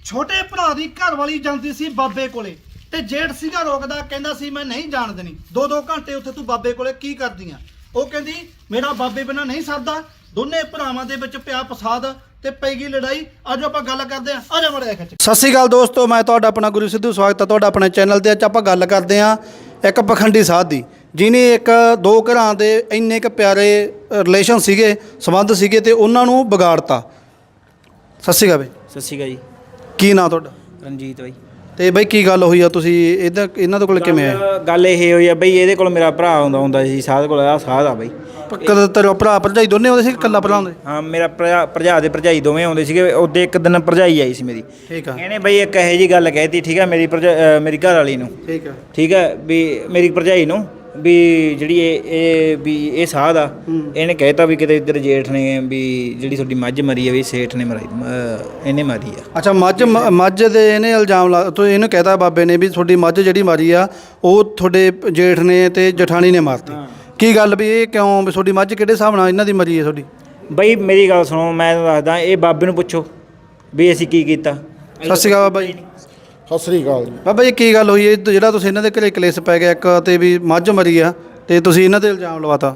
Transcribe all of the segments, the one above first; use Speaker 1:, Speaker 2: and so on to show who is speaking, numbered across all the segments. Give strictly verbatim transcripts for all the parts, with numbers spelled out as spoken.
Speaker 1: ਛੋਟੇ ਭਰਾ ਦੀ ਘਰ ਵਾਲੀ ਜਾਂਦੀ ਸੀ ਬਾਬੇ ਕੋਲੇ ਤੇ ਜੇਠ ਸੀਗਾ ਰੋਕਦਾ, ਕਹਿੰਦਾ ਸੀ ਮੈਂ ਨਹੀਂ ਜਾਣ ਦੇਣੀ। ਦੋ ਦੋ ਘੰਟੇ ਉੱਥੇ ਤੂੰ ਬਾਬੇ ਕੋਲੇ ਕੀ ਕਰਦੀ ਆ? ਉਹ ਕਹਿੰਦੀ ਮੇਰਾ ਬਾਬੇ ਬਿਨਾਂ ਨਹੀਂ ਸਰਦਾ। ਦੋਨੇ ਭਰਾਵਾਂ ਦੇ ਵਿੱਚ ਪਿਆ ਫਸਾਦ ਤੇ ਪੈ ਗਈ ਲੜਾਈ। ਅੱਜ ਆਪਾਂ ਗੱਲ ਕਰਦੇ ਆ, ਆ ਜਾ ਮੜਿਆ ਖਿੱਚ। ਸਤਿ ਸ਼੍ਰੀ ਅਕਾਲ ਦੋਸਤੋ, ਮੈਂ ਤੁਹਾਡਾ ਆਪਣਾ ਗੁਰੂ ਸਿੱਧੂ, ਸਵਾਗਤ ਹੈ ਤੁਹਾਡਾ ਆਪਣੇ ਚੈਨਲ ਤੇ। ਅੱਜ ਆਪਾਂ ਗੱਲ ਕਰਦੇ ਆ ਇੱਕ ਪਖੰਡੀ ਸਾਧ ਦੀ, ਜਿਹਨੇ ਇੱਕ ਦੋ ਘਰਾਂ ਦੇ ਇੰਨੇ ਕੁ ਪਿਆਰੇ ਰਿਲੇਸ਼ਨ ਸੀਗੇ, ਸੰਬੰਧ ਸੀਗੇ ਤੇ ਉਹਨਾਂ ਨੂੰ ਵਿਗਾੜਤਾ। ਸਤਿ ਸ਼੍ਰੀ ਅਕਾਲ ਬਈ।
Speaker 2: ਸਤਿ ਸ਼੍ਰੀ ਅਕਾਲ ਜੀ।
Speaker 1: ਕੀ ਨਾਂ ਤੁਹਾਡਾ?
Speaker 2: ਰਣਜੀਤ ਬਾਈ।
Speaker 1: ਤੇ ਬਈ ਕੀ ਗੱਲ ਹੋਈ ਆ, ਤੁਸੀਂ ਇਹਦਾ ਇਹਨਾਂ ਦੇ ਕੋਲ ਕਿਵੇਂ ਆਏ?
Speaker 2: ਗੱਲ ਇਹ ਹੋਈ ਆ ਬਈ, ਇਹਦੇ ਕੋਲ ਮੇਰਾ ਭਰਾ ਆਉਂਦਾ ਹੁੰਦਾ ਸੀ ਸਾਧ ਕੋਲ। ਆ ਸਾਧ ਆ ਬਈ।
Speaker 1: ਕਦੇ ਤੇਰਾ ਭਰਾ ਭਰਜਾਈ ਦੋਨੇ ਆਉਂਦੇ ਸੀ, ਇਕੱਲਾ ਭਰਾ ਆਉਂਦੇ?
Speaker 2: ਹਾਂ, ਮੇਰਾ ਭਰਾ ਭਰਜਾ ਦੇ ਭਰਜਾਈ ਦੋਵੇਂ ਆਉਂਦੇ ਸੀਗੇ। ਉਹਦੇ ਇੱਕ ਦਿਨ ਭਰਜਾਈ ਆਈ ਸੀ ਮੇਰੀ।
Speaker 1: ਠੀਕ ਆ।
Speaker 2: ਇਹਨੇ ਬਈ ਇੱਕ ਇਹੋ ਜਿਹੀ ਗੱਲ ਕਹਿਤੀ, ਠੀਕ ਆ, ਮੇਰੀ ਭਰਜਾ ਮੇਰੀ ਘਰ ਵਾਲੀ ਨੂੰ।
Speaker 1: ਠੀਕ ਆ।
Speaker 2: ਠੀਕ ਆ ਵੀ ਮੇਰੀ ਭਰਜਾਈ ਨੂੰ ਵੀ ਜਿਹੜੀ ਇਹ ਇਹ ਵੀ ਇਹ ਸਾਧ ਆ, ਇਹਨੇ ਕਹਿਤਾ ਵੀ ਕਿਤੇ ਇੱਧਰ ਜੇਠ ਨੇ ਵੀ ਜਿਹੜੀ ਤੁਹਾਡੀ ਮੱਝ ਮਰੀ ਆ ਵੀ ਸੇਠ ਨੇ ਮਰਾਈ, ਇਹਨੇ ਮਾਰੀ ਆ।
Speaker 1: ਅੱਛਾ, ਮੱਝ ਮੱਝ ਦੇ ਇਹਨੇ ਇਲਜ਼ਾਮ ਲਾ ਤੋ ਇਹਨੂੰ ਕਹਿਤਾ ਬਾਬੇ ਨੇ ਵੀ ਤੁਹਾਡੀ ਮੱਝ ਜਿਹੜੀ ਮਾਰੀ ਆ ਉਹ ਤੁਹਾਡੇ ਜੇਠ ਨੇ ਤੇ ਜਠਾਣੀ ਨੇ ਮਾਰਤੀ। ਕੀ ਗੱਲ ਵੀ ਇਹ ਕਿਉਂ ਵੀ ਤੁਹਾਡੀ ਮੱਝ ਕਿਹੜੇ ਹਿਸਾਬ ਨਾਲ ਇਹਨਾਂ ਦੀ ਮਰੀ ਹੈ ਤੁਹਾਡੀ?
Speaker 2: ਬਈ ਮੇਰੀ ਗੱਲ ਸੁਣੋ, ਮੈਂ ਤੁਹਾਨੂੰ ਦੱਸਦਾ, ਇਹ ਬਾਬੇ ਨੂੰ ਪੁੱਛੋ ਵੀ ਅਸੀਂ ਕੀ ਕੀਤਾ।
Speaker 1: ਸਤਿ ਸ਼੍ਰੀ ਅਕਾਲ ਬਾਬਾ ਜੀ।
Speaker 3: ਸਤਿ ਸ੍ਰੀ ਅਕਾਲ ਜੀ।
Speaker 1: ਬਾਬਾ ਜੀ ਕੀ ਗੱਲ ਹੋਈ ਹੈ ਜਿਹੜਾ ਤੁਸੀਂ ਇਹਨਾਂ ਦੇ ਘਰੇ ਕਲੇਸ਼ ਪੈ ਗਿਆ ਇੱਕ ਤੇ ਵੀ ਮੱਝ ਮਰੀ ਆ ਤੇ ਤੁਸੀਂ ਇਹਨਾਂ ਤੇ ਇਲਜ਼ਾਮ ਲਵਾਤਾ?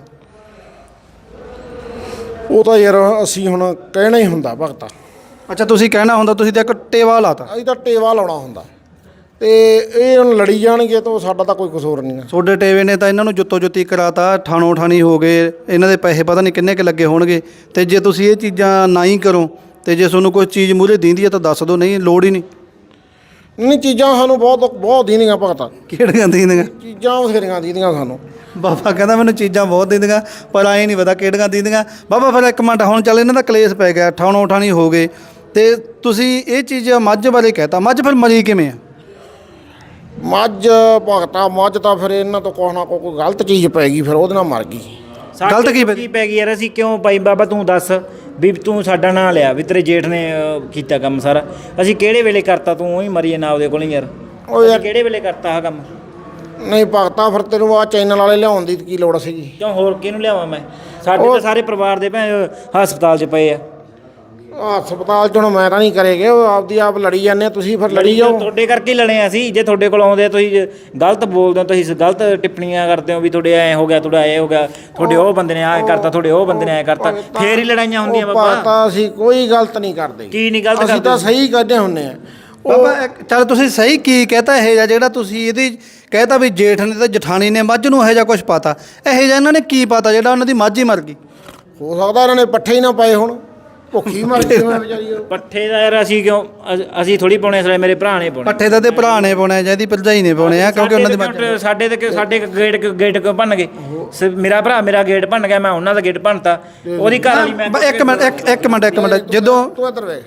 Speaker 3: ਉਹ ਤਾਂ ਯਾਰ ਅਸੀਂ ਹੁਣ ਕਹਿਣਾ ਹੀ ਹੁੰਦਾ ਭਗਤਾ।
Speaker 1: ਅੱਛਾ, ਤੁਸੀਂ ਕਹਿਣਾ ਹੁੰਦਾ, ਤੁਸੀਂ ਤਾਂ ਇੱਕ ਟੇਵਾ ਲਾਤਾ।
Speaker 3: ਅਸੀਂ ਤਾਂ ਟੇਵਾ ਲਾਉਣਾ ਹੁੰਦਾ ਤੇ ਇਹ ਹੁਣ ਲੜੀ ਜਾਣਗੇ ਤਾਂ ਸਾਡਾ ਤਾਂ ਕੋਈ ਕਸੂਰ ਨਹੀਂ ਹੈ।
Speaker 1: ਤੁਹਾਡੇ ਟੇਵੇ ਨੇ ਤਾਂ ਇਹਨਾਂ ਨੂੰ ਜੁੱਤੋ ਜੁੱਤੀ ਕਰਾਤਾ, ਠਾਣੋ ਠਾਣੀ ਹੋ ਗਏ, ਇਹਨਾਂ ਦੇ ਪੈਸੇ ਪਤਾ ਨਹੀਂ ਕਿੰਨੇ ਕੁ ਲੱਗੇ ਹੋਣਗੇ। ਤੇ ਜੇ ਤੁਸੀਂ ਇਹ ਚੀਜ਼ਾਂ ਨਾ ਹੀ ਕਰੋ ਤੇ ਜੇ ਤੁਹਾਨੂੰ ਕੋਈ ਚੀਜ਼ ਮੂਹਰੇ ਦਿੰਦੀ ਹੈ ਤਾਂ ਦੱਸ ਦਿਓ, ਨਹੀਂ ਲੋੜ ਹੀ ਨਹੀਂ।
Speaker 3: ਨਹੀਂ, ਚੀਜ਼ਾਂ ਸਾਨੂੰ ਬਹੁਤ ਬਹੁਤ ਦੀਦੀਆਂ ਭਗਤਾ।
Speaker 1: ਕਿਹੜੀਆਂ ਦਿੰਦੀਆਂ?
Speaker 3: ਚੀਜ਼ਾਂ ਬਥੇਰੀਆਂ ਦੀਦੀਆਂ ਸਾਨੂੰ।
Speaker 1: ਬਾਬਾ ਕਹਿੰਦਾ ਮੈਨੂੰ ਚੀਜ਼ਾਂ ਬਹੁਤ ਦਿੰਦੀਆਂ ਪਰ ਆਏ ਨਹੀਂ ਪਤਾ ਕਿਹੜੀਆਂ ਦਿੰਦੀਆਂ। ਬਾਬਾ ਫਿਰ ਇੱਕ ਮਿੰਟ, ਹੁਣ ਚੱਲ ਇਹਨਾਂ ਦਾ ਕਲੇਸ਼ ਪੈ ਗਿਆ, ਠਾਣੋ ਠਾਣੀ ਹੋ ਗਏ ਤੇ ਤੁਸੀਂ ਇਹ ਚੀਜ਼ ਮੱਝ ਬਾਰੇ ਕਹਿਤਾ। ਮੱਝ ਫਿਰ ਮਰੀ ਕਿਵੇਂ ਆ?
Speaker 3: ਮੱਝ ਭਗਤਾ ਮੱਝ ਤਾਂ ਫਿਰ ਇਹਨਾਂ ਤੋਂ ਕੁਛ ਨਾ ਕੋਈ ਗਲਤ ਚੀਜ਼ ਪੈ ਗਈ, ਫਿਰ ਉਹਦੇ ਨਾਲ ਮਰ ਗਈ।
Speaker 1: ਗਲਤ ਕੀ ਪੈ-
Speaker 2: ਕੀ ਪੈ ਗਈ ਯਾਰ? ਅਸੀਂ ਕਿਉਂ ਪਾਈ ਬਾਬਾ? ਤੂੰ ਦੱਸ ਵੀ ਤੂੰ ਸਾਡਾ ਨਾਂ ਲਿਆ ਵੀ ਤੇਰੇ ਜੇਠ ਨੇ ਅਹ, ਕੀਤਾ ਕੰਮ ਸਾਰਾ। ਅਸੀਂ ਕਿਹੜੇ ਵੇਲੇ ਕਰਤਾ? ਤੂੰ ਉਹੀ ਮਰੀਏ ਨਾ ਉਹਦੇ ਕੋਲ ਹੀ ਯਾਰ।
Speaker 3: ਉਹ ਯਾਰ
Speaker 2: ਕਿਹੜੇ ਵੇਲੇ ਕਰਤਾ ਆਹ ਕੰਮ?
Speaker 3: ਨਹੀਂ ਭਗਤਾ, ਫਿਰ ਤੈਨੂੰ ਆ ਚੈਨਲ ਵਾਲੇ ਲਿਆਉਣ ਦੀ ਕੀ ਲੋੜ ਸੀਗੀ?
Speaker 2: ਕਿਉਂ ਹੋਰ ਕਿਹਨੂੰ ਲਿਆਵਾਂ ਮੈਂ? ਸਾਡੇ ਤਾਂ ਸਾਰੇ ਪਰਿਵਾਰ ਦੇ ਭੈਣ ਹਸਪਤਾਲ 'ਚ ਪਏ ਆ।
Speaker 3: ਹਸਪਤਾਲ ਚੋਂ ਮੈਂ ਤਾਂ ਨਹੀਂ ਕਰੇਗੇ, ਉਹ ਆਪਦੀ ਆਪ ਲੜੀ ਜਾਂਦੇ ਆ, ਤੁਸੀਂ ਫਿਰ ਲੜੀ ਜਾਓ।
Speaker 2: ਤੁਹਾਡੇ ਕਰਕੇ ਹੀ ਲੜੇ ਆ ਅਸੀਂ। ਜੇ ਤੁਹਾਡੇ ਕੋਲ ਆਉਂਦੇ ਆ ਤੁਸੀਂ ਜੇ ਗਲਤ ਬੋਲਦੇ ਹੋ, ਤੁਸੀਂ ਗਲਤ ਟਿੱਪਣੀਆਂ ਕਰਦੇ ਹੋ ਵੀ ਤੁਹਾਡੇ ਐ ਹੋ ਗਿਆ, ਤੁਹਾਡਾ ਐ ਹੋ ਗਿਆ, ਤੁਹਾਡੇ ਉਹ ਬੰਦੇ ਨੇ ਐ ਕਰਤਾ, ਤੁਹਾਡੇ ਉਹ ਬੰਦੇ ਨੇ ਐ ਕਰਤਾ, ਫੇਰ ਹੀ ਲੜਾਈਆਂ ਹੁੰਦੀਆਂ
Speaker 3: ਉਹ
Speaker 2: ਬਾਬਾ।
Speaker 3: ਭਗਤਾ ਅਸੀਂ ਕੋਈ ਗਲਤ ਨਹੀਂ ਕਰਦੇ।
Speaker 2: ਕੀ ਨਹੀਂ ਗਲਤ
Speaker 3: ਅਸੀਂ
Speaker 2: ਕਰਦੇ?
Speaker 3: ਤਾਂ ਸਹੀ ਕਰਦੇ ਹੁੰਦੇ ਆ।
Speaker 1: ਬਾਬਾ ਇੱਕ- ਚੱਲ ਤੁਸੀਂ ਸਹੀ ਕੀ ਕਹਤਾ ਇਹ ਜਿਹਾ ਜਿਹੜਾ ਤੁਸੀਂ ਇਹਦੀ ਕਹਿਤਾ ਵੀ ਜੇਠ ਨੇ ਤੇ ਜਠਾਣੀ ਨੇ ਮੱਝ ਨੂੰ ਇਹੋ ਜਿਹਾ ਕੁਝ ਪਤਾ? ਇਹੋ ਜਿਹਾ ਇਹਨਾਂ ਨੇ ਕੀ ਪਤਾ ਜਿਹੜਾ ਉਹਨਾਂ ਦੀ ਮੱਝ ਹੀ ਮਰ ਗਈ?
Speaker 3: ਹੋ ਸਕਦਾ ਇਹਨਾਂ ਨੇ ਪੱਠੇ ਹੀ ਨਾ ਪਾਏ ਹੁਣ, ਭੁੱਖੀ ਮਰ ਗਈ ਮੈਂ ਵਿਚਾਰੀ ਉਹ।
Speaker 2: ਪੱਠੇ ਦਾ ਯਾਰ ਅਸੀਂ ਕਿਉਂ ਅ- ਅਸੀਂ ਥੋੜੀ ਪਾਉਣੇ, ਸਾਰੇ ਮੇਰੇ ਭਰਾ ਨੇ ਪਾਉਣੇ।
Speaker 1: ਪੱਠੇ ਦਾ ਤੇ ਭਰਾ ਨੇ ਪਾਉਣਾ ਜਾਂ ਇਹਦੀ ਭਰਜਾਈ ਨੇ ਪਾਉਣੇ ਆ, ਕਿਉਂਕਿ ਉਹਨਾਂ ਦੀ ਮੱਝ।
Speaker 2: ਸਾਡੇ ਸਾਡੇ ਤੇ ਕਿ- ਸਾਡੇ ਗੇਟ ਗੇਟ ਕਿਉਂ ਭੰਨ ਗਏ? ਸ- ਮੇਰਾ ਭਰਾ ਮੇਰਾ ਗੇਟ ਭੰਨ ਗਿਆ, ਮੈਂ ਉਹਨਾਂ ਦਾ ਗੇਟ ਭੰਨਤਾ। ਉਹਦੀ ਘਰ ਵਾਲੀ ਮੈਂ
Speaker 1: ਬ- ਇੱਕ ਮਿੰਟ ਇੱਕ ਇੱਕ ਮਿੰਟ ਇੱਕ ਮਿੰਟ ਜਦੋਂ
Speaker 3: ਤੂੰ ਇੱਧਰ ਵੇਖ,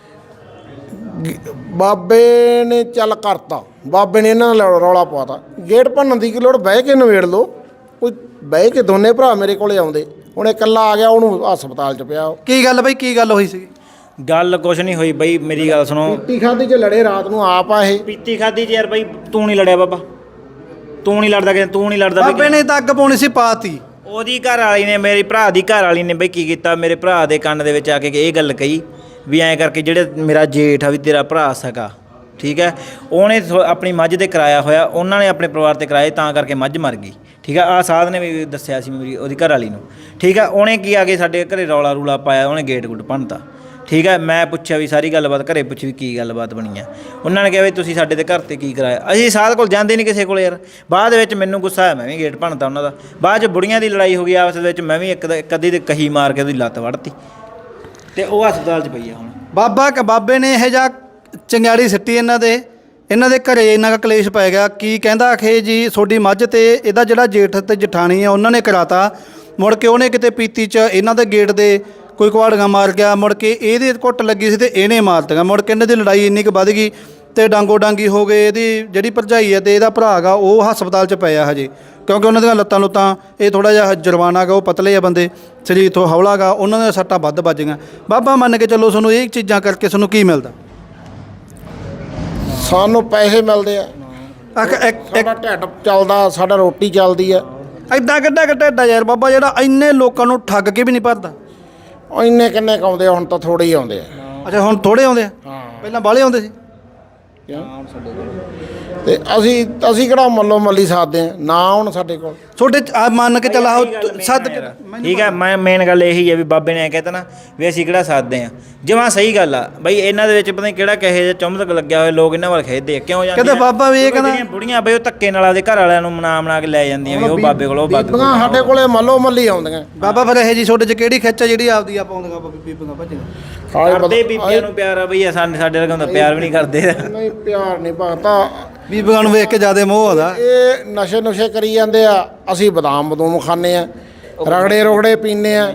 Speaker 3: ਬਾਬੇ ਨੇ ਚੱਲ ਕਰਤਾ, ਬਾਬੇ ਨੇ ਇਹਨਾਂ ਨਾਲ ਰੌਲਾ ਪਾਤਾ, ਗੇਟ ਭੰਨਣ ਦੀ ਕੀ ਲੋੜ? ਬਹਿ ਕੇ ਨਵੇੜ ਲਓ। ਕੋਈ ਬਹਿ ਕੇ ਦੋਨੇ ਭਰਾ ਮੇਰੇ ਕੋਲੇ ਆਉਂਦੇ, ਹੁਣ ਇਕੱਲਾ ਆ ਗਿਆ, ਉਹਨੂੰ ਹਸਪਤਾਲ 'ਚ ਪਿਆ।
Speaker 1: ਕੀ ਗੱਲ ਬਈ, ਕੀ ਗੱਲ ਹੋਈ ਸੀ?
Speaker 2: ਗੱਲ ਕੁਛ ਨਹੀਂ ਹੋਈ ਬਈ, ਮੇਰੀ ਗੱਲ ਸੁਣੋ।
Speaker 3: ਪੀਤੀ ਖਾਦੀ 'ਚ ਲੜੇ ਰਾਤ ਨੂੰ ਆਪ ਆ ਇਹ।
Speaker 2: ਪੀਤੀ ਖਾਦੀ ਚ ਯਾਰ ਬਈ, ਤੂੰ ਨਹੀਂ ਲੜਿਆ ਬਾਬਾ, ਤੂੰ ਨਹੀਂ ਲੜਦਾ ਕਿ ਤੂੰ ਨਹੀਂ ਲੜਦਾ
Speaker 1: ਬਾਬੇ ਨੇ ਤਾਂ ਅੱਗ ਪਾਉਣੀ ਸੀ, ਪਾਤੀ।
Speaker 2: ਉਹਦੀ ਘਰ ਵਾਲੀ ਨੇ, ਮੇਰੀ ਭਰਾ ਦੀ ਘਰ ਵਾਲੀ ਨੇ ਬਈ ਕੀ ਕੀਤਾ, ਮੇਰੇ ਭਰਾ ਦੇ ਕੰਨ ਦੇ ਵਿੱਚ ਆ ਕੇ ਇਹ ਗੱਲ ਕਹੀ ਵੀ ਐਂ ਕਰਕੇ ਜਿਹੜੇ ਮੇਰਾ ਜੇਠ ਆ ਵੀ ਤੇਰਾ ਭਰਾ ਸਕਾ, ਠੀਕ ਹੈ, ਉਹਨੇ ਥੋ- ਆਪਣੀ ਮੱਝ ਤੇ ਕਰਾਇਆ ਹੋਇਆ, ਉਹਨਾਂ ਨੇ ਆਪਣੇ ਪਰਿਵਾਰ ਤੇ ਕਰਾਏ, ਤਾਂ ਕਰਕੇ ਮੱਝ ਮਰ ਗਈ। ਠੀਕ ਆ, ਆਹ ਸਾਧ ਨੇ ਵੀ ਦੱਸਿਆ ਸੀ ਮੇਰੀ ਉਹਦੀ ਘਰ ਵਾਲੀ ਨੂੰ। ਠੀਕ ਆ, ਉਹਨੇ ਕੀ ਆ ਕੇ ਸਾਡੇ ਘਰੇ ਰੌਲਾ ਰੂਲਾ ਪਾਇਆ, ਉਹਨੇ ਗੇਟ ਗੁੱਟ ਭੰਨਤਾ। ਠੀਕ ਹੈ, ਮੈਂ ਪੁੱਛਿਆ ਵੀ ਸਾਰੀ ਗੱਲਬਾਤ, ਘਰੇ ਪੁੱਛੀ ਵੀ ਕੀ ਗੱਲਬਾਤ ਬਣੀ ਆ। ਉਹਨਾਂ ਨੇ ਕਿਹਾ ਵੀ ਤੁਸੀਂ ਸਾਡੇ ਤੇ ਘਰ ਤੇ ਕੀ ਕਰਾਇਆ? ਅਸੀਂ ਸਾਧ ਕੋਲ ਜਾਂਦੇ ਨਹੀਂ ਕਿਸੇ ਕੋਲ ਯਾਰ। ਬਾਅਦ ਵਿੱਚ ਮੈਨੂੰ ਗੁੱਸਾ ਆਇਆ, ਮੈਂ ਵੀ ਗੇਟ ਭੰਨਤਾ ਉਹਨਾਂ ਦਾ। ਬਾਅਦ 'ਚ ਬੁੜੀਆਂ ਦੀ ਲੜਾਈ ਹੋ ਗਈ ਆਪਸ ਵਿੱਚ, ਮੈਂ ਵੀ ਇੱਕ ਇੱਕ ਅੱਧੀ ਦੇ ਕਹੀ ਮਾਰ ਕੇ ਉਹਦੀ ਲੱਤ ਵੜਤੀ ਤੇ ਉਹ ਹਸਪਤਾਲ 'ਚ ਪਈ ਆ ਹੁਣ।
Speaker 1: ਬਾਬਾ ਬਾਬੇ ਨੇ ਇਹ ਜਿਹਾ ਚੰਗਿਆੜੀ ਸਿੱਟੀ ਇਹਨਾਂ ਦੇ, ਇਹਨਾਂ ਦੇ ਘਰੇ ਇੰਨਾ ਕੁ ਕਲੇਸ਼ ਪੈ ਗਿਆ। ਕੀ ਕਹਿੰਦਾ ਆਖੇ ਜੀ ਤੁਹਾਡੀ ਮੱਝ ਤੇ ਇਹਦਾ ਜਿਹੜਾ ਜੇਠ ਤੇ ਜਠਾਣੀ ਆ ਉਹਨਾਂ ਨੇ ਕਰਾਤਾ। ਮੁੜ ਕੇ ਉਹਨੇ ਕਿਤੇ ਪੀਤੀ 'ਚ ਇਹਨਾਂ ਦੇ ਗੇਟ ਦੇ ਕੋਈ ਕੁਹਾੜੀਆਂ ਮਾਰ ਗਿਆ, ਮੁੜ ਕੇ ਇਹਦੇ ਘੁੱਟ ਲੱਗੀ ਸੀ ਤੇ ਇਹਨੇ ਮਾਰ ਦਿੱਤਾ। ਮੁੜ ਕੇ ਇਹਨਾਂ ਦੀ ਲੜਾਈ ਇੰਨੀ ਕੁ ਵੱਧ ਗਈ ਤੇ ਡਾਂਗੋ ਡਾਂਗੀ ਹੋ ਗਏ। ਇਹਦੀ ਜਿਹੜੀ ਭਰਜਾਈ ਹੈ ਤੇ ਇਹਦਾ ਭਰਾ ਗਾ ਉਹ ਹਸਪਤਾਲ 'ਚ ਪਿਆ ਹਜੇ, ਕਿਉਂਕਿ ਉਹਨਾਂ ਦੀਆਂ ਲੱਤਾਂ ਲੁੱਤਾਂ, ਇਹ ਥੋੜ੍ਹਾ ਜਿਹਾ ਜਰਵਾਨਾ ਗਾ, ਉਹ ਪਤਲੇ ਆ ਬੰਦੇ, ਸਰੀਰ ਤੋਂ ਹੌਲਾ ਗਾ, ਉਹਨਾਂ ਦੀਆਂ ਸੱਟਾਂ ਵੱਧ ਵੱਜ ਗਈਆਂ। ਬਾਬਾ ਮੰਨ ਕੇ ਚੱਲੋ, ਤੁਹਾਨੂੰ ਇਹ ਚੀਜ਼ਾਂ ਕਰਕੇ ਤੁਹਾਨੂੰ ਕੀ ਮਿਲਦਾ?
Speaker 3: ਸਾਨੂੰ ਪੈਸੇ ਮਿਲਦੇ ਆ,
Speaker 1: ਆਖ ਇੱਕ
Speaker 3: ਸਾਡਾ ਢਿੱਡ ਚੱਲਦਾ, ਸਾਡਾ ਰੋਟੀ ਚੱਲਦੀ ਆ।
Speaker 1: ਐਡਾ ਕਿੱਡਾ ਕਿੱਡਾ ਢਿੱਡ ਯਾਰ ਬਾਬਾ, ਜਿਹੜਾ ਇੰਨੇ ਲੋਕਾਂ ਨੂੰ ਠੱਗ ਕੇ ਵੀ ਨਹੀਂ ਭਰਦਾ।
Speaker 3: ਉਹ ਇੰਨੇ ਕਿੰਨੇ ਕੁ ਆਉਂਦੇ ਆ? ਹੁਣ ਤਾਂ ਥੋੜ੍ਹੇ ਹੀ ਆਉਂਦੇ ਆ।
Speaker 1: ਅੱਛਾ, ਹੁਣ ਥੋੜ੍ਹੇ ਆਉਂਦੇ ਆ।
Speaker 3: ਹਾਂ,
Speaker 1: ਪਹਿਲਾਂ ਬਾਹਲੇ ਆਉਂਦੇ ਸੀ
Speaker 3: ਤੇ ਅਸੀਂ ਅਸੀਂ ਕਿਹੜਾ ਮੱਲੋ ਮੱਲੀ ਸਾਧਦੇ ਆ ਨਾ ਹੁਣ ਸਾਡੇ ਕੋਲ
Speaker 1: ਤੁਹਾਡੇ 'ਚ ਆ ਮੰਨ ਕੇ ਚੱਲ ਆਓ ਸੱਦ ਕੇ
Speaker 2: ਠੀਕ ਹੈ ਮੈਂ ਮੇਨ ਗੱਲ ਇਹੀ ਹੈ ਵੀ ਬਾਬੇ ਨੇ ਐ ਕਹਿਤਾ ਨਾ ਵੀ ਅਸੀਂ ਕਿਹੜਾ ਸਾਧਦੇ ਆ ਜਮਾਂ ਸਹੀ ਗੱਲ ਆ ਬਈ ਇਹਨਾਂ ਦੇ ਵਿੱਚ ਪਤਾ ਨਹੀਂ ਕਿਹੜਾ ਕਹੇ ਜਿਹਾ ਚੁੰਮਕ ਲੱਗਿਆ ਹੋਇਆ ਲੋਕ ਇਹਨਾਂ ਵੱਲ ਖੇਡਦੇ ਆ ਕਿਉਂ ਜਾਂਦੇ
Speaker 1: ਕਹਿੰਦੇ ਬਾਬਾ ਵੀ ਇਹ ਕਹਿੰਦਾ
Speaker 2: ਜਿਹੜੀਆਂ ਬੁੜੀਆਂ ਬਈ ਉਹ ਧੱਕੇ ਨਾਲ ਆਪਦੇ ਘਰ ਵਾਲਿਆਂ ਨੂੰ ਮਨਾ ਮਨਾ ਕੇ ਲੈ ਜਾਂਦੀਆਂ ਵੀ ਉਹ ਬਾਬੇ ਕੋਲ ਉਹ ਬਾਬੇ
Speaker 3: ਬੀਬੀਆਂ ਸਾਡੇ ਕੋਲੇ ਮੱਲੋ ਮੱਲੀ ਆਉਂਦੀਆਂ
Speaker 1: ਬਾਬਾ ਫਿਰ ਇਹ ਜੀ ਤੁਹਾਡੇ 'ਚ ਕਿਹੜੀ ਖਿੱਚ ਆ ਜਿਹੜੀ ਆਪਦੀ ਆ ਪਾਉਂਦੀਆਂ ਬੀਬੀਆਂ ਭੱਜੀਆਂ
Speaker 2: ਕਰਦੇ ਬੀਬੀਆਂ ਨੂੰ ਪਿਆਰ ਆ ਬਈ ਸਾਡੇ ਸਾਡੇ ਵਰਗਾ ਹੁੰਦਾ ਪਿਆਰ ਵੀ ਨਹੀਂ ਕਰਦੇ
Speaker 3: ਨਹੀਂ ਪਿਆਰ ਨਹੀਂ ਭਗਤਾ
Speaker 1: ਬੀਬੀਆਂ ਨੂੰ ਵੇਖ ਕੇ ਜ਼ਿਆਦਾ ਮੋਹ ਆਦਾ
Speaker 3: ਇਹ ਨਸ਼ੇ ਨੁਸ਼ੇ ਕਰੀ ਜਾਂਦੇ ਆ ਅਸੀਂ ਬਦਾਮ ਬਦੂਮ ਖਾਂਦੇ ਆ ਰਗੜੇ ਰੋਗੜੇ ਪੀਂਦੇ ਆ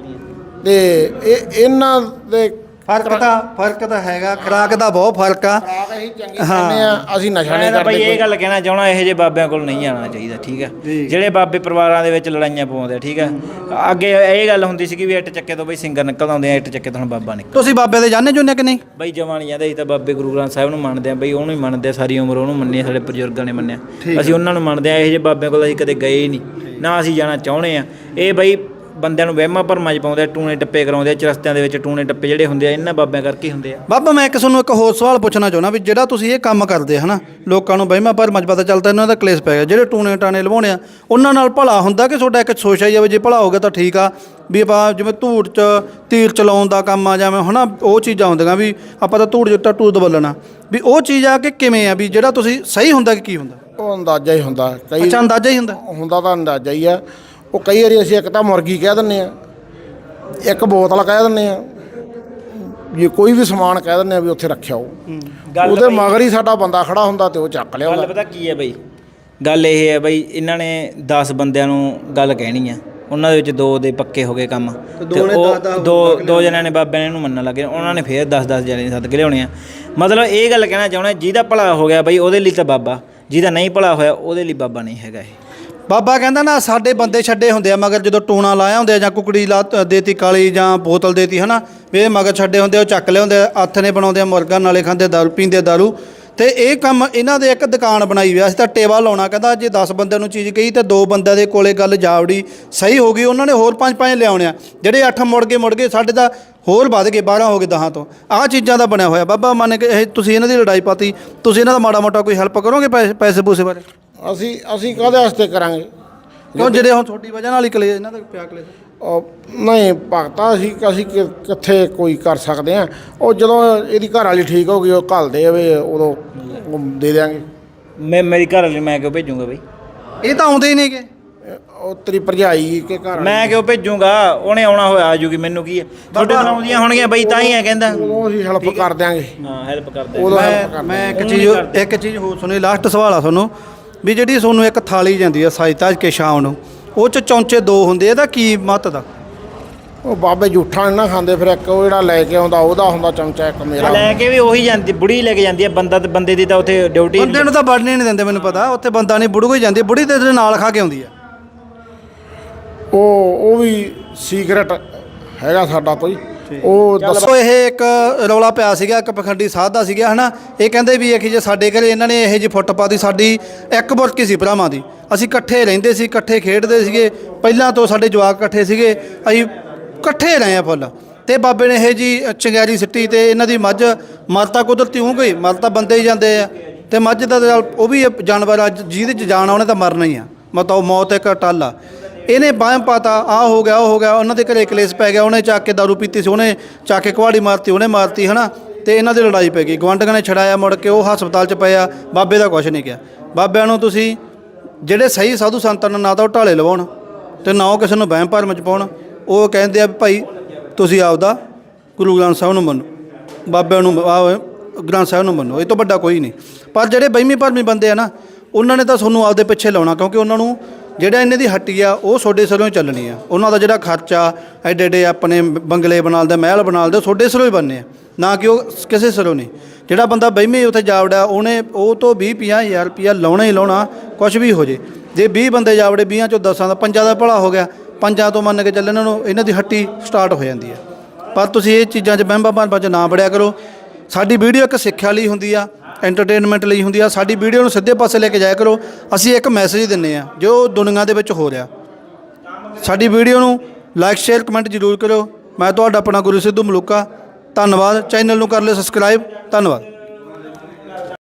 Speaker 3: ਤੇ ਇਹ ਇਹਨਾਂ ਦੇ
Speaker 1: ਫਰਕ ਤਾਂ ਫਰਕ ਤਾਂ ਹੈਗਾ ਖੁਰਾਕ ਦਾ ਬਹੁਤ ਫਰਕ ਆ
Speaker 3: ਖੁਰਾਕ ਅਸੀਂ ਚੰਗੀ ਖਾਂਦੇ ਆ ਅਸੀਂ ਨਸ਼ਾ ਨਹੀਂ
Speaker 2: ਮੈਂ ਤਾਂ ਬਈ
Speaker 3: ਕਰਦੇ
Speaker 2: ਇਹ ਗੱਲ ਕਹਿਣਾ ਚਾਹਣਾ ਇਹੋ ਜਿਹੇ ਬਾਬਿਆਂ ਕੋਲ ਨਹੀਂ ਆਉਣਾ ਚਾਹੀਦਾ ਠੀਕ ਹੈ ਜਿਹੜੇ ਬਾਬੇ ਪਰਿਵਾਰਾਂ ਦੇ ਵਿੱਚ ਲੜਾਈਆਂ ਪਾਉਂਦੇ ਆ ਠੀਕ ਹੈ ਅੱਗੇ ਇਹ ਗੱਲ ਹੁੰਦੀ ਸੀ ਕਿ ਵੀ ਇੱਟ ਚੱਕੇ ਤੋਂ ਬਈ ਸਿੰਗਰ ਨਿਕਲ ਆਉਂਦੇ ਆ ਇੱਟ ਚੱਕੇ ਤੋਂ ਹੁਣ ਬਾਬਾ ਨਿਕਲ
Speaker 1: ਤੁਸੀਂ ਬਾਬੇ ਦੇ ਜਾਣੇ ਜੁਨੇ ਕਿ ਨਹੀਂ
Speaker 2: ਬਈ ਜਮਾਂ ਨਹੀਂ ਜਾਂਦੇ ਅਸੀਂ ਤਾਂ ਬਾਬੇ ਗੁਰੂ ਗ੍ਰੰਥ ਸਾਹਿਬ ਨੂੰ ਮੰਨਦੇ ਆ ਬਈ ਉਹਨੂੰ ਹੀ ਮੰਨਦੇ ਆ ਸਾਰੀ ਉਮਰ ਉਹਨੂੰ ਮੰਨੇ ਸਾਡੇ ਬਜ਼ੁਰਗਾਂ ਨੇ ਮੰਨਿਆ ਅਸੀਂ ਉਹਨਾਂ ਨੂੰ ਮੰਨਦੇ ਆ ਇਹੋ ਜਿਹੇ ਬਾਬਿਆਂ ਕੋਲ ਅਸੀਂ ਕਦੇ ਗਏ ਹੀ ਨਹੀਂ ਨਾ ਅਸੀਂ ਜਾਣਾ ਚਾਹੁੰਦੇ ਆ ਇਹ ਬਈ ਬੰਦਿਆਂ ਨੂੰ ਵਹਿਮਾਂ ਭਰਮਾਂ 'ਚ ਪਾਉਂਦੇ ਆ ਟੂਣੇ ਟੱਪੇ ਕਰਾਉਂਦੇ ਆ ਚਰਸਤਿਆਂ ਦੇ ਵਿੱਚ ਟੂਣੇ ਟੱਪੇ ਜਿਹੜੇ ਹੁੰਦੇ ਆ ਇਹਨਾਂ ਬਾਬਿਆਂ ਕਰਕੇ ਹੀ ਹੁੰਦੇ ਆ
Speaker 1: ਬਾਬਾ ਮੈਂ ਇੱਕ ਤੁਹਾਨੂੰ ਇੱਕ ਹੋਰ ਸਵਾਲ ਪੁੱਛਣਾ ਚਾਹੁੰਦਾ ਵੀ ਜਿਹੜਾ ਤੁਸੀਂ ਇਹ ਕੰਮ ਕਰਦੇ ਹਨਾ ਲੋਕਾਂ ਨੂੰ ਵਹਿਮਾਂ ਭਰਮਾਂ 'ਚ ਪਤਾ ਚੱਲਦਾ ਇਹਨਾਂ ਦਾ ਕਲੇਸ਼ ਪੈ ਗਿਆ ਜਿਹੜੇ ਟੂਣੇ ਟਾਣੇ ਲਵਾਉਣੇ ਆ ਉਹਨਾਂ ਨਾਲ ਭਲਾ ਹੁੰਦਾ ਕਿ ਤੁਹਾਡਾ ਇੱਕ ਸੋਚ ਆਈ ਜਾਵੇ ਜੇ ਭਲਾ ਹੋ ਗਿਆ ਤਾਂ ਠੀਕ ਆ ਵੀ ਆਪਾਂ ਜਿਵੇਂ ਧੂੜ 'ਚ ਤੀਰ ਚਲਾਉਣ ਦਾ ਕੰਮ ਆ ਜਾਵੇਂ ਹਨਾ ਉਹ ਚੀਜ਼ਾਂ ਹੁੰਦੀਆਂ ਵੀ ਆਪਾਂ ਤਾਂ ਧੂੜ ਜਿੱਟਾ ਟੂਦ ਬੋਲਣਾ ਵੀ ਉਹ ਚੀਜ਼ ਆ ਕਿ ਕਿਵੇਂ ਆ ਵੀ ਜਿਹੜਾ ਤੁਸੀਂ ਸਹੀ ਹੁੰਦਾ ਕਿ ਕੀ ਹੁੰਦਾ
Speaker 3: ਉਹ ਅੰਦਾਜ਼ਾ ਹੀ ਹੁੰਦਾ ਕਈ
Speaker 1: ਅੱਛਾ ਅੰਦਾਜ਼ਾ ਹੀ ਹੁੰਦਾ
Speaker 3: ਹੁੰਦਾ ਤਾਂ ਅੰਦਾਜ਼ਾ ਹੀ ਆ ਉਹ ਕਈ ਵਾਰੀ ਅਸੀਂ ਇੱਕ ਤਾਂ ਮੁਰਗੀ ਕਹਿ ਦਿੰਦੇ ਆ ਇੱਕ ਬੋਤਲ ਕਹਿ ਦਿੰਦੇ ਆ ਜੇ ਕੋਈ ਵੀ ਸਮਾਨ ਕਹਿ ਦਿੰਦੇ ਆ ਵੀ ਉੱਥੇ ਰੱਖਿਆ ਉਹ
Speaker 2: ਗੱਲ
Speaker 3: ਉਹਦੇ ਮਗਰ ਹੀ ਸਾਡਾ ਬੰਦਾ ਖੜਾ ਹੁੰਦਾ ਤੇ ਉਹ ਚੱਕ
Speaker 2: ਗੱਲ
Speaker 3: ਲਿਆਉਂਦਾ
Speaker 2: ਪਤਾ ਕੀ ਹੈ ਬਈ ਗੱਲ ਇਹ ਹੈ ਬਈ ਇਹਨਾਂ ਨੇ ਦਸ ਬੰਦਿਆਂ ਨੂੰ ਗੱਲ ਕਹਿਣੀ ਆ ਉਹਨਾਂ ਦੇ ਵਿੱਚ ਦੋ ਦੇ ਪੱਕੇ ਹੋ ਗਏ ਕੰਮ ਤੇ ਉਹ ਦੋ ਦੋ ਜਣਿਆਂ ਨੇ ਬਾਬਿਆਂ ਨੇ ਇਹਨੂੰ ਮੰਨਣ ਲੱਗੇ ਉਹਨਾਂ ਨੇ ਫੇਰ ਦਸ ਦਸ ਜਣੇ ਸੱਦ ਕੇ ਲਿਆਉਣੇ ਆ ਮਤਲਬ ਇਹ ਗੱਲ ਕਹਿਣਾ ਚਾਹੁੰਦਾ ਜਿਹਦਾ ਭਲਾ ਹੋ ਗਿਆ ਬਈ ਉਹਦੇ ਲਈ ਤਾਂ ਬਾਬਾ ਜਿਹਦਾ ਨਹੀਂ ਭਲਾ ਹੋਇਆ ਉਹਦੇ ਲਈ ਬਾਬਾ ਨਹੀਂ ਹੈਗਾ ਇਹ
Speaker 1: ਬਾਬਾ ਕਹਿੰਦਾ ਨਾ ਸਾਡੇ ਬੰਦੇ ਛੱਡੇ ਹੁੰਦੇ ਆ ਮਗਰ ਜਦੋਂ ਟੂਣਾ ਲਾਇਆ ਹੁੰਦੇ ਆ ਜਾਂ ਕੁਕੜੀ ਲਾ ਦੇਤੀ ਕਾਲੀ ਜਾਂ ਬੋਤਲ ਦੇਤੀ ਹਨਾ ਵੀ ਇਹ ਮਗਰ ਛੱਡੇ ਹੁੰਦੇ ਉਹ ਚੱਕ ਲਿਆਉਂਦੇ ਆ ਹੱਥ ਨੇ ਬਣਾਉਂਦੇ ਆ ਮੁਰਗਾ ਨਾਲੇ ਖਾਂਦੇ ਦਾਰੂ ਪੀਂਦੇ ਦਾਰੂ ਤੇ ਇਹ ਕੰਮ ਇਹਨਾਂ ਦੇ ਇੱਕ ਦੁਕਾਨ ਬਣਾਈ ਹੋਈ ਆ ਅਸੀਂ ਤਾਂ ਟੇਵਾ ਲਾਉਣਾ ਕਹਿੰਦਾ ਜੇ ਦਸ ਬੰਦਿਆਂ ਨੂੰ ਚੀਜ਼ ਕਹੀ ਤੇ ਦੋ ਬੰਦਿਆਂ ਦੇ ਕੋਲੇ ਗੱਲ ਜਾਵੜੀ ਸਹੀ ਹੋ ਗਈ ਉਹਨਾਂ ਨੇ ਹੋਰ ਪੰਜ ਪੰਜ ਲਿਆਉਣੇ ਆ ਜਿਹੜੇ ਅੱਠ ਮੁੜ ਗਏ ਮੁੜ ਗਏ ਸਾਡੇ ਤਾਂ ਹੋਰ ਵੱਧ ਗਏ ਬਾਰਾਂ ਹੋ ਗਏ ਦਹਾਂ ਤੋਂ ਆਹ ਚੀਜ਼ਾਂ ਦਾ ਬਣਿਆ ਹੋਇਆ ਬਾਬਾ ਮੰਨ ਕੇ ਇਹ ਤੁਸੀਂ ਇਹਨਾਂ ਦੀ ਲੜਾਈ ਪਾਤੀ ਤੁਸੀਂ ਇਹਨਾਂ ਦਾ ਮਾੜਾ ਮੋਟਾ ਕੋਈ ਹੈਲਪ ਕਰੋਗੇ ਪੈਸੇ ਪੈਸੇ ਪੂਸੇ ਬਾਰੇ
Speaker 3: ਅਸੀਂ ਅਸੀਂ ਕਾਹਦੇ ਵਾਸਤੇ ਕਰਾਂਗੇ
Speaker 1: ਕਿਉਂ ਜਿਹੜੇ ਹੁਣ ਤੁਹਾਡੀ ਵਜ੍ਹਾ ਨਾਲ ਹੀ ਕਲੇ ਇਹਨਾਂ ਦਾ ਪਿਆ ਕਲੇ
Speaker 3: ਉਹ ਨਹੀਂ ਭਗਤਾ ਅਸੀਂ ਅਸੀਂ ਕਿ- ਕਿੱਥੇ ਕੋਈ ਕਰ ਸਕਦੇ ਆ ਉਹ ਜਦੋਂ ਇਹਦੀ ਘਰ ਵਾਲੀ ਠੀਕ ਹੋ ਗਈ ਉਹ ਘੱਲ ਦੇ ਵੇ ਉਦੋਂ ਉਹ ਦੇ ਦਿਆਂਗੇ
Speaker 2: ਮੈਂ ਮੇਰੀ ਘਰ ਵਾਲੀ ਮੈਂ ਕਿਉਂ ਭੇਜੂੰਗਾ ਬਈ
Speaker 1: ਇਹ ਤਾਂ ਆਉਂਦੇ ਹੀ ਨਹੀਂਗੇ
Speaker 3: ਉਹ ਤੇਰੀ ਭਰਜਾਈ ਕੇ ਘਰ
Speaker 2: ਮੈਂ ਕਿਉਂ ਭੇਜੂੰਗਾ ਉਹਨੇ ਆਉਣਾ ਹੋਇਆ ਆਜੂਗੀ ਮੈਨੂੰ ਕੀ ਹੈ ਤੁਹਾਡੇ ਨਾਲ ਆਉਂਦੀਆਂ ਹੋਣਗੀਆਂ ਬਈ ਤਾਂ ਹੀ ਹੈ ਕਹਿੰਦਾ
Speaker 3: ਉਦੋਂ ਅਸੀਂ ਹੈਲਪ ਕਰ ਦਿਆਂਗੇ
Speaker 2: ਹਾਂ ਹੈਲਪ ਕਰਦੇ
Speaker 3: ਉਦੋਂ ਹੈਲਪ
Speaker 1: ਮੈਂ
Speaker 3: ਕਰ
Speaker 1: ਮੈਂ ਇੱਕ ਚੀਜ਼ ਇੱਕ ਚੀਜ਼ ਹੋਰ ਸੁਣੀ ਲਾਸਟ ਸਵਾਲ ਆ ਤੁਹਾਨੂੰ ਵੀ ਜਿਹੜੀ ਤੁਹਾਨੂੰ ਇੱਕ ਥਾਲੀ ਜਾਂਦੀ ਆ ਸਾਜਤਾ ਕੇ ਸ਼ਾਮ ਨੂੰ ਉਹ ਚ ਚੌਂਚੇ ਦੋ ਹੁੰਦੇ ਇਹਦਾ ਕੀ ਮਹੱਤਵ ਦਾ
Speaker 3: ਉਹ ਬਾਬੇ ਜੂਠਾ ਨਹੀਂ ਨਾ ਖਾਂਦੇ ਫਿਰ ਇੱਕ ਉਹ ਜਿਹੜਾ ਲੈ ਕੇ ਆਉਂਦਾ ਉਹਦਾ ਹੁੰਦਾ ਚਮਚਾ ਇੱਕ ਮੇਰਾ
Speaker 2: ਲੈ ਕੇ ਵੀ ਉਹੀ ਜਾਂਦੀ ਬੁੜੀ ਲੈ ਕੇ ਜਾਂਦੀ ਹੈ ਬੰਦਾ ਤੇ ਬੰਦੇ ਦੀ ਤਾਂ ਉੱਥੇ ਡਿਊਟੀ
Speaker 1: ਬੰਦੇ ਨੂੰ ਤਾਂ ਵੜਨੇ ਨਹੀਂ ਦਿੰਦੇ ਮੈਨੂੰ ਪਤਾ ਉੱਥੇ ਬੰਦਾ ਨਹੀਂ ਬੁੜੂ ਹੀ ਜਾਂਦੀ ਬੁੜੀ ਤੇ ਇਹਦੇ ਨਾਲ ਖਾ ਕੇ ਆਉਂਦੀ ਆ
Speaker 3: ਉਹ ਉਹ ਵੀ ਸੀਕ੍ਰੇਟ ਹੈਗਾ ਸਾਡਾ ਕੋਈ ਉਹ ਦੱਸੋ
Speaker 1: ਦੱਸੋ ਇਹ ਇੱਕ ਰੌਲਾ ਪਿਆ ਸੀਗਾ ਇੱਕ ਪਖੰਡੀ ਸਾਧ ਦਾ ਸੀਗਾ ਹਨਾ ਇਹ ਕਹਿੰਦੇ ਵੀ ਇਹ ਜੇ ਸਾਡੇ ਘਰੇ ਇਹਨਾਂ ਨੇ ਇਹ ਜੀ ਫੁੱਟ ਪਾਤੀ ਸਾਡੀ ਇੱਕ ਬੁਰਕੀ ਸੀ ਭਰਾਵਾਂ ਦੀ ਅਸੀਂ ਇਕੱਠੇ ਰਹਿੰਦੇ ਸੀ ਇਕੱਠੇ ਖੇਡਦੇ ਸੀਗੇ ਪਹਿਲਾਂ ਤੋਂ ਸਾਡੇ ਜਵਾਕ ਇਕੱਠੇ ਸੀਗੇ ਅਸੀਂ ਇਕੱਠੇ ਰਹੇ ਆ ਫੁੱਲ ਤੇ ਬਾਬੇ ਨੇ ਇਹ ਜੀ ਚੰਗਿਆਰੀ ਸਿੱਟੀ ਤੇ ਇਹਨਾਂ ਦੀ ਮੱਝ ਮਰ ਤਾਂ ਕੁਦਰਤੀ ਹੋ ਗਈ ਮਰ ਤਾਂ ਬੰਦੇ ਹੀ ਜਾਂਦੇ ਆ ਤੇ ਮੱਝ ਦਾ ਤਾਂ ਉਹ ਵੀ ਜਾਨਵਰ ਆ ਜਿਹਦੇ 'ਚ ਜਾਨ ਆ ਉਹਨੇ ਤਾਂ ਮਰਨਾ ਹੀ ਆ ਮਤਲਬ ਮੌਤ ਇੱਕ ਟੱਲ ਆ ਇਹਨੇ ਬਾਹਮ ਪਾਤਾ ਆ ਹੋ ਗਿਆ ਉਹ ਹੋ ਗਿਆ ਉਹਨਾਂ ਦੇ ਘਰੇ ਕਲੇਸ਼ ਪੈ ਗਿਆ ਉਹਨੇ ਚੱਕ ਕੇ ਦਾਰੂ ਪੀਤੀ ਸੀ ਉਹਨੇ ਚੱਕ ਕੇ ਕੁਹਾੜੀ ਮਾਰਤੀ ਉਹਨੇ ਮਾਰਤੀ ਹਨਾ ਤੇ ਇਹਨਾਂ ਦੀ ਲੜਾਈ ਪੈ ਗਈ ਗੁਆਂਢੀਆਂ ਨੇ ਛੜਾਇਆ ਮੁੜ ਕੇ ਉਹ ਹਸਪਤਾਲ 'ਚ ਪਿਆ ਬਾਬੇ ਦਾ ਕੁਛ ਨਹੀਂ ਕਿਹਾ ਬਾਬਿਆਂ ਨੂੰ ਤੁਸੀਂ ਜਿਹੜੇ ਸਹੀ ਸਾਧੂ ਸੰਤਾਂ ਨੂੰ ਨਾ ਤਾਂ ਉਹ ਢਾਲੇ ਲਵਾਉਣ ਤੇ ਨਾ ਉਹ ਕਿਸੇ ਨੂੰ ਵਹਿਮ ਭਰਮ 'ਚ ਪਾਉਣ ਉਹ ਕਹਿੰਦੇ ਆ ਵੀ ਭਾਈ ਤੁਸੀਂ ਆਪਦਾ ਗੁਰੂ ਗ੍ਰੰਥ ਸਾਹਿਬ ਨੂੰ ਮੰਨੋ ਬਾਬਿਆਂ ਨੂੰ ਆਹ ਗ੍ਰੰਥ ਸਾਹਿਬ ਨੂੰ ਮੰਨੋ ਇਹ ਤੋਂ ਵੱਡਾ ਕੋਈ ਨਹੀਂ ਪਰ ਜਿਹੜੇ ਵਹਿਮੀ ਭਰਮੀ ਬੰਦੇ ਆ ਨਾ ਉਹਨਾਂ ਨੇ ਤਾਂ ਤੁਹਾਨੂੰ ਆਪਦੇ ਪਿੱਛੇ ਲਾਉਣਾ ਕਿਉਂਕਿ ਉਹਨਾਂ ਨੂੰ ਜਿਹੜਾ ਇਹਨਾਂ ਦੀ ਹੱਟੀ ਆ ਉਹ ਤੁਹਾਡੇ ਸਿਰੋਂ ਹੀ ਚੱਲਣੀ ਆ ਉਹਨਾਂ ਦਾ ਜਿਹੜਾ ਖਰਚਾ ਐਡੇ ਐਡੇ ਆਪਣੇ ਬੰਗਲੇ ਬਣਾਉਂਦੇ ਮਹਿਲ ਬਣਾਉਂਦੇ ਤੁਹਾਡੇ ਸਿਰੋਂ ਹੀ ਬਣਨੇ ਆ ਨਾ ਕਿ ਉਹ ਕਿਸੇ ਸਿਰੋਂ ਨਹੀਂ ਜਿਹੜਾ ਬੰਦਾ ਵਹਿਮੀ ਉੱਥੇ ਜਾਵੜਾ ਉਹਨੇ ਉਹ ਤੋਂ ਵੀਹ ਪੰਜਾਹ ਹਜ਼ਾਰ ਰੁਪਈਆ ਲਾਉਣਾ ਹੀ ਲਾਉਣਾ ਕੁਛ ਵੀ ਹੋ ਜੇ ਜੇ ਵੀਹ ਬੰਦੇ ਜਾਵੜੇ ਵੀਹਾਂ ਚੋਂ ਦਸਾਂ ਦਾ ਪੰਜਾਂ ਦਾ ਭਲਾ ਹੋ ਗਿਆ ਪੰਜਾਂ ਤੋਂ ਮੰਨ ਕੇ ਚੱਲ ਇਹਨਾਂ ਨੂੰ ਇਹਨਾਂ ਦੀ ਹੱਟੀ ਸਟਾਰਟ ਹੋ ਜਾਂਦੀ ਆ ਪਰ ਤੁਸੀਂ ਇਹ ਚੀਜ਼ਾਂ 'ਚ ਵਹਿਮਾਂ ਭਰਮਾਂ 'ਚ ਨਾ ਵੜਿਆ ਕਰੋ ਸਾਡੀ ਵੀਡੀਓ ਇੱਕ ਸਿੱਖਿਆ ਲਈ ਹੁੰਦੀ ਆ ਐਂਟਰਟੇਨਮੈਂਟ ਲਈ ਹੁੰਦੀ ਆ ਸਾਡੀ ਵੀਡੀਓ ਨੂੰ ਸਿੱਧੇ ਪਾਸੇ ਲੈ ਕੇ ਜਾਇਆ ਕਰੋ ਅਸੀਂ ਇੱਕ ਮੈਸੇਜ ਦਿੰਦੇ ਆ ਜੋ ਦੁਨੀਆ ਦੇ ਵਿੱਚ ਹੋ ਰਿਹਾ ਸਾਡੀ ਵੀਡੀਓ ਨੂੰ ਲਾਈਕ ਸ਼ੇਅਰ ਕਮੈਂਟ ਜ਼ਰੂਰ ਕਰੋ ਮੈਂ ਤੁਹਾਡਾ ਆਪਣਾ ਗੁਰੂ ਸਿੱਧੂ ਮਲੂਕਾ ਧੰਨਵਾਦ। ਚੈਨਲ ਨੂੰ ਕਰ ਲਿਓ ਸਬਸਕ੍ਰਾਈਬ। ਧੰਨਵਾਦ।